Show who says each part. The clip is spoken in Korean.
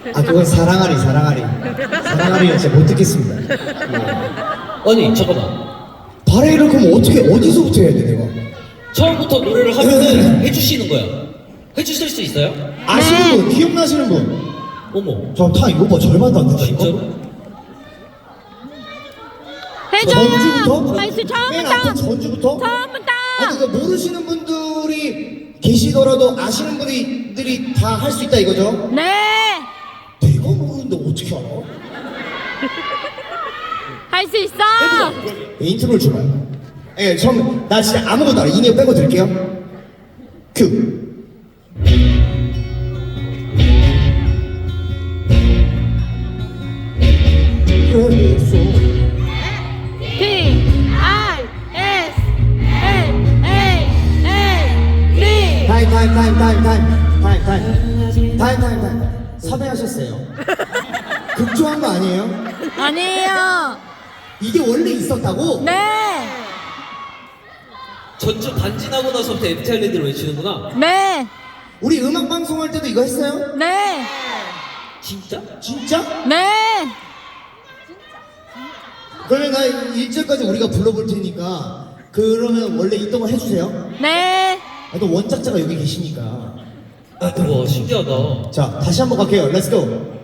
Speaker 1: 아 그건 사랑하리 사랑하리는 진짜 못 듣겠습니다.
Speaker 2: 아니 잠깐만.
Speaker 1: 바레이를 그럼 어떻게 어디서부터 해야 돼 내가?
Speaker 2: 처음부터 노래를 하면은 해주시는 거야. 해주실 수 있어요?
Speaker 1: 아시는 분, 기억나시는 분?
Speaker 2: 어머.
Speaker 1: 다 이거 봐, 절반도 안 된다 이거.
Speaker 2: 진짜로?
Speaker 1: 전주부터?
Speaker 3: 해줘요. 할수
Speaker 1: 맨 앞에
Speaker 3: 처음부터.
Speaker 1: 전주부터?
Speaker 3: 처음부터.
Speaker 1: 아니 그 모르시는 분들이 계시더라도 아시는 분들이 다 할 수 있다 이거죠?
Speaker 3: 네.
Speaker 1: 내가 모르는데 어떻게 알아?
Speaker 3: 할 수 있어.
Speaker 1: 인트로를 줘봐요. 예, 처음 나 진짜 아무것도 알아. 인이어 빼고 들을게요. 큐.
Speaker 3: P-I-S-L-A-L-D.
Speaker 1: 타임. 섭외하셨어요. 극조한 거 아니에요?
Speaker 3: 아니에요.
Speaker 1: 이게 원래 있었다고?
Speaker 3: 네.
Speaker 2: 전주 반진하고 나서부터 FT 아일랜드를 외치는구나.
Speaker 3: 네.
Speaker 1: 우리 음악 방송할 때도 이거 했어요?
Speaker 3: 네.
Speaker 2: 진짜?
Speaker 1: 진짜?
Speaker 3: 네.
Speaker 1: 그러면 나 1절까지 우리가 불러볼 테니까 그러면 원래 있던 거 해주세요.
Speaker 3: 네.
Speaker 1: 아, 또 원작자가 여기 계시니까.
Speaker 2: 와 신기하다.
Speaker 1: 자, 다시 한번 갈게요. 렛츠고.